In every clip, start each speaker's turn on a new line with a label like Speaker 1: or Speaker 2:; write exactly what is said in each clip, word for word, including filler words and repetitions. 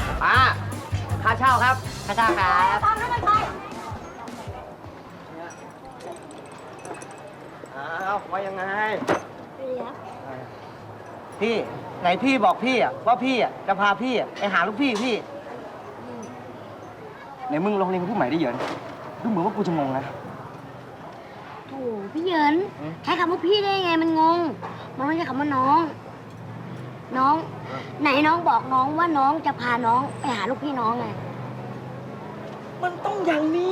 Speaker 1: ป้าค่าเช่าครับค่าเช่าครับ อ้าวว่ายังไงพี่ไหนพี่บอกพี่อะว่าพี่อะจะพาพี่อะไปหาลูกพี่พี่ไหนมึงลองเรียนกับผู้ใหม่ได้เยอะดูเหมือนว่ากูจะงงนะ
Speaker 2: โถ่พี่เหยินใช้คำว่าพี่ได้ไงมันงง มันไม่ใช่คำว่าน้อง น้อง ไหนน้องบอกน้องว่าน้องจะพาน้องไปหาลูกพี่น้องไง
Speaker 1: มันต้องอย่างนี้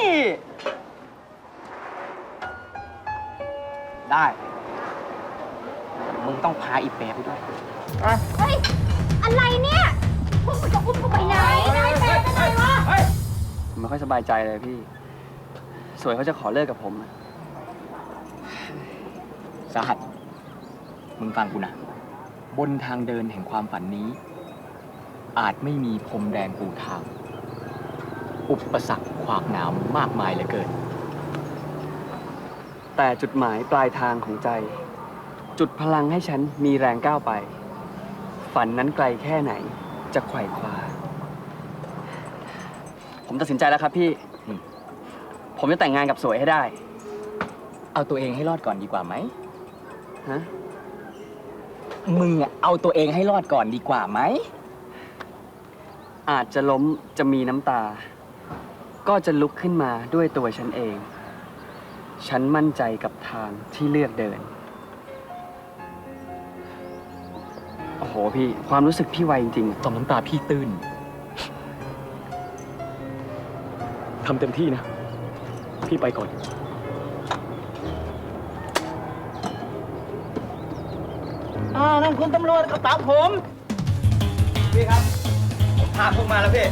Speaker 1: ได้ มึงต้องพาอีเป๋ไปด้วย
Speaker 2: เฮ้ย อะไรเนี่ยพวกมึงจะอุ้มกูไปไหนนายแฟนเป็นไงวะ
Speaker 3: ผมไม่ค่อยสบายใจเลยพี่ สวยเขาจะขอเลิกกับผมสาหัส มึงฟังกูนะ บนทางเดินแห่งความฝันนี้ อาจไม่มีพรมแดงปูทาง อุปสรรคขวากหนามมากมายเหลือเกิน แต่จุดหมายปลายทางของใจ จุดพลังให้ฉันมีแรงก้าวไป ฝันนั้นไกลแค่ไหนจะไขว่คว้า ผมตัดสินใจแล้วครับพี่ ผมจะแต่งงานกับสวยให้ได้ เอาตัวเองให้รอดก่อนดีกว่าไหมฮะ มึงอะเอาตัวเองให้รอดก่อนดีกว่าไหม อาจจะล้มจะมีน้ำตา ก็จะลุกขึ้นมาด้วยตัวฉันเอง ฉันมั่นใจกับทางที่เลือกเดิน โอ้โหพี่ ความรู้สึกพี่ไวจริงๆต่อมน้ำตาพี่ตื้น ทำเต็มที่นะ พี่ไปก่อน
Speaker 1: อ่านั่นคุณตำรวจกระเป๋าผม พี่ครับ ผมพาพวกมาแล้วพี่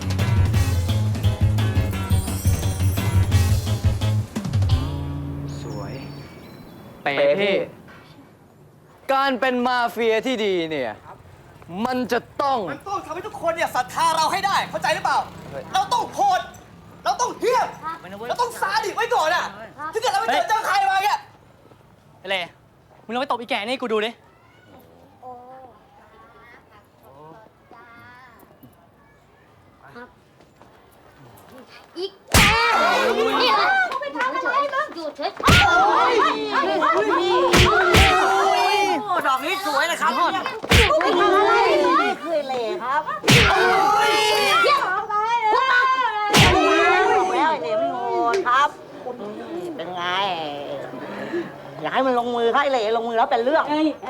Speaker 3: สวย เป๋พี่
Speaker 4: การเป็นมาเฟียที่ดีเนี่ย มันจะต้อง
Speaker 5: มันต้องทำให้ทุกคนเนี่ยศรัทธาเราให้ได้ เข้าใจหรือเปล่า เราต้องโหด เราต้องเหี้ยมเราต้องซาดิสไว้ก่อนอ่ะถ้าเกิดเราไปเจอเจอใครมาเนี่ย
Speaker 4: อะไรมึงลองไปตบอีแก่นี่กูดูดิ
Speaker 2: อีกแกนี่เหรอเขาไปทำอะไรบ้างอยู่เฉย
Speaker 1: โอ้ดอกนี้สวยนะครับ
Speaker 2: เขาไปทำอะไร
Speaker 1: ไม่เคยเล่ครับ
Speaker 2: เยี่ยมคุณมา
Speaker 1: แล้วไอ้เล่ไม่โหดครับ เป็นไง อยากให้มันลงมือครับไอ้เล่ลงมือแล้วเป็นเรื่อง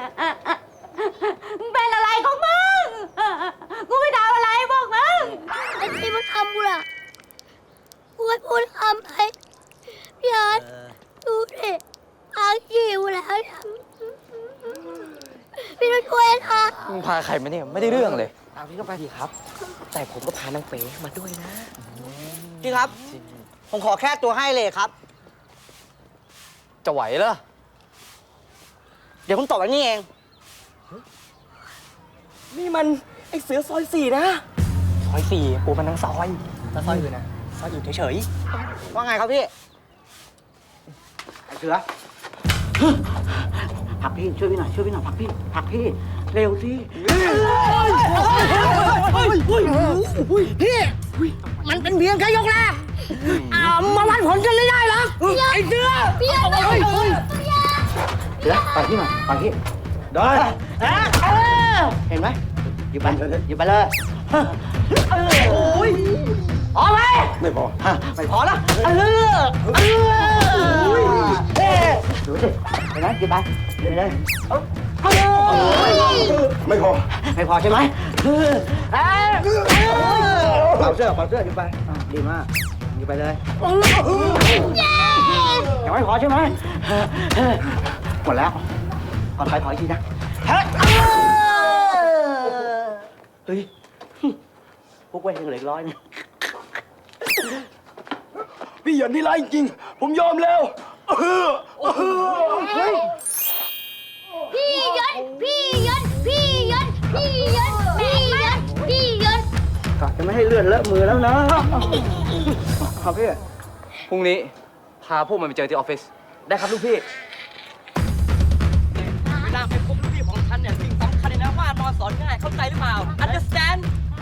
Speaker 2: มึงเป็นอะไรของมึง กูไม่ทำอะไรบอกมึงไอ้ที่มึงทำกูล่ะกูให้พูดทำไปพี่อาร์ตดูดิอาคิวแล้วพี่ต้องช่วยนะ
Speaker 4: มึงพาใครมาเนี่ย ไม่ได้เรื่องเลย
Speaker 1: เอาพี่ก็ไปดีครับ แต่ผมก็พานางเป๋มาด้วยนะ พี่ครับ ผมขอแค่ตัวให้เลยครับ
Speaker 4: จะไหวเหรอ
Speaker 1: เดี๋ยวผมตอบอันนี้เอง
Speaker 4: นี่มันไอเสือซอยสี่นะ ซอยสี่ปูมันทั้งซอยแล้วซอยอื่นนะซอยอื่นเฉย
Speaker 1: ว่าไงครับพี่ ไอ้เสือผลักพี่ช่วยพี่หน่อยช่วยพี่หน่อยผลักพี่ผลักพี่เร็วสิพี่มันเป็นเพียงแค่ยกแรกอ่ามาวัดผลกันไม่ได้หรอไอ้เสือ
Speaker 2: พี่อาร์ต
Speaker 1: เสือไปพี่หน่อยไปพี่ได้เห็นไหมหยิบไปหยิบไปเลยโอ้ยพอไหมไม่พอไม่พอละเออเออดูสิเห็นไหมหยิบไปหยิบไปเลยไม่พอไม่พอใช่ไหมเป่าเสื้อเป่าเสื้อหยิบไปดีมากหยิบไปเลยยังไม่พอใช่ไหมหมดแล้วขอถอยถอยทีนะเฮ้ยพวกเว้ยยังเหลือร้อยนึง
Speaker 3: พี่เหยินที่ร้ายจริง ผมยอมแล้วเฮ้ย
Speaker 2: พี่ยนพี่ยนพี่ยนพี่ยนพี่ยนพี่ยน
Speaker 1: กะจะไม่ให้เลื่อนเลอะมือแล้วนะ
Speaker 3: ครับพี่ พรุ่งนี้พาพวกมันไปเจอที่ออฟฟิศ ได้ครับลูกพี่
Speaker 4: เวลาไปพบลูกพี่ของฉันเนี่ยสิ่งสำคัญเลยนะว่านอนสอนง่ายเข้าใจหรือเปล่า understand